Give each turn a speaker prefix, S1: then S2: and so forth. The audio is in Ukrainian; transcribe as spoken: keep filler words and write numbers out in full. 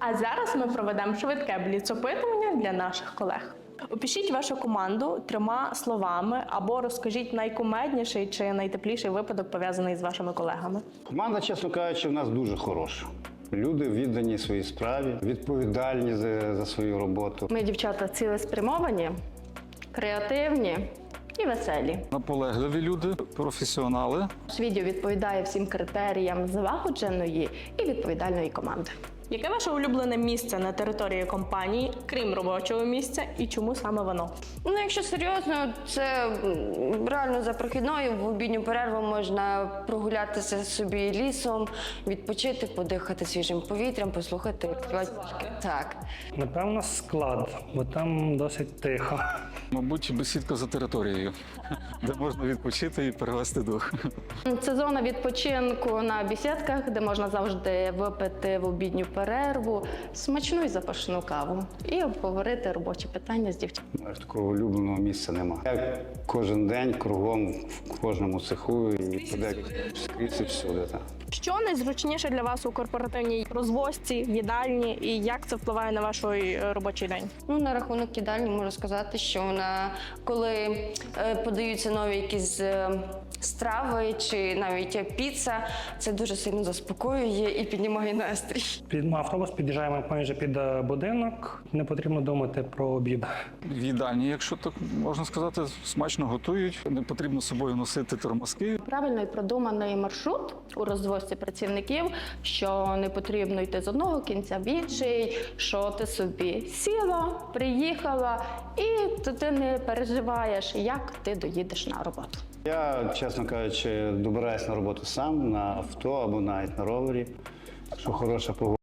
S1: А зараз ми проведемо швидке бліц-опитування для наших колег. Опишіть вашу команду трьома словами або розкажіть найкумедніший чи найтепліший випадок, пов'язаний з вашими колегами.
S2: Команда, чесно кажучи, в нас дуже хороша. Люди віддані своїй справі, відповідальні за, за свою роботу.
S3: Ми, дівчата, цілеспрямовані, креативні і веселі.
S4: Наполегливі люди, професіонали.
S3: Наш відео відповідає всім критеріям злагодженої і відповідальної команди.
S1: Яке ваше улюблене місце на території компанії, крім робочого місця, і чому саме воно?
S5: Ну, якщо серйозно, це м, реально за прохідною. В обідню перерву можна прогулятися собі лісом, відпочити, подихати свіжим повітрям, послухати. Так.
S6: Напевно, склад, бо там досить тихо.
S4: Мабуть, бесідка за територією, де можна відпочити і перевести дух.
S3: Це зона відпочинку на бесідках, де можна завжди випити в обідню перерву смачну і запашну каву і обговорити робочі питання з дівчатами.
S2: Аж такого улюбленого місця нема. Я кожен день кругом в кожному цеху і туди скрізь і всюди. Так.
S1: Що найзручніше для вас у корпоративній розвозці, в їдальні, і як це впливає на ваш е, робочий день?
S5: Ну, на рахунок їдальні можу сказати, що вона, коли е, подаються нові якісь е, страви чи навіть піца, це дуже сильно заспокоює і піднімає настрій.
S6: Під автобус під'їжджаємо майже під е, будинок, не потрібно думати про обід.
S4: В їдальні, якщо так можна сказати, смачно готують. Не потрібно з собою носити термоски.
S3: Правильно і продуманий маршрут у розвозці працівників, що не потрібно йти з одного кінця в інший, що ти собі сіла, приїхала і ти не переживаєш, як ти доїдеш на роботу.
S2: Я, чесно кажучи, добираюсь на роботу сам, на авто або навіть на ровері. Якщо хороша погода.